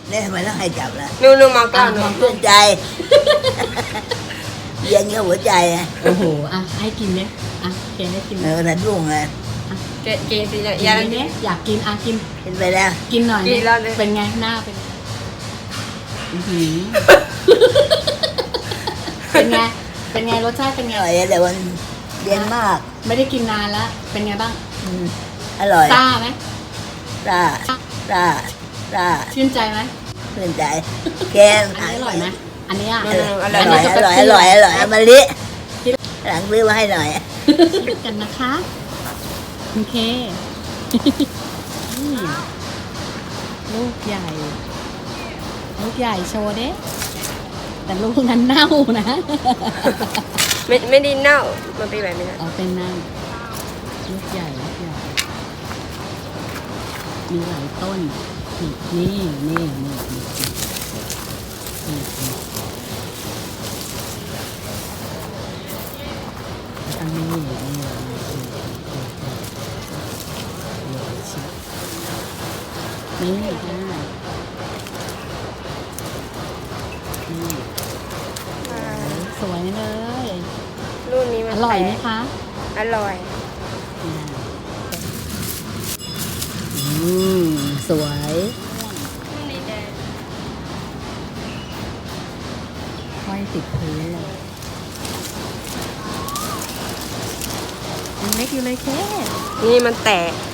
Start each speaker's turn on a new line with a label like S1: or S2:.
S1: เนี่ยทำไมต้องให้จับล่ะ
S2: นู่นมองกล้องหนู
S1: เพื่อนใจ เย็นกับหัวใจอ่ะ
S3: โอ้โหอ่ะให้กินเนี่ยอ่ะแกให้กิน
S1: นั่นรุ่งเลย
S2: เกสิเนี่ย
S3: กิ
S2: ยาน
S3: เนี่ยอยากกินอ่ะกิน
S1: กินไปแล้ว
S3: กินหน่อย
S2: กินแล้วเลย
S3: เป็นไงหน้าเป็นไงอื้อหือเป็นไงเป็นไงรสชาติเป็น
S1: อ
S3: ไง
S1: ร่อยแต่มันเย็นมาก
S3: ไม่ได้กินนานแล้วเป็นไงบ้าง
S1: อืมอร่อย
S3: ซ่าไหม
S1: ซ่าซ่าซ่า
S3: ชื่นใจไหม
S1: เพื่อนใจแกง
S3: อันนี้อร่อยไหมอันนี้อ่ะ
S1: อร่อยอร่อยอร่อยอร่อยเอามาลิหลังซื้อมาให้หน่อย
S3: คิดกันนะคะโอเคนี่ลูกใหญ่ ลูกใหญ่โชว์เด้แต่ลูกนั้นเน่านะ
S2: ไม่ได้เน่ามันเป็นแบบนี้นะ
S3: เอาเป็นเน่าลูกใหญ่ลูกใหญ่มีหลายต้นนี่นี่นี่นี่นี่อันนี้นี่ค่ะนี่สวยเลย
S2: รุ่นนี้มัน
S3: อร่อยไหมคะ
S2: อร่อย
S3: สวย
S2: รุ่นนี้แดง
S3: ห้อยติดพื้นเลยยังเล็กอยู่เลยแค่
S2: นี่มันแตก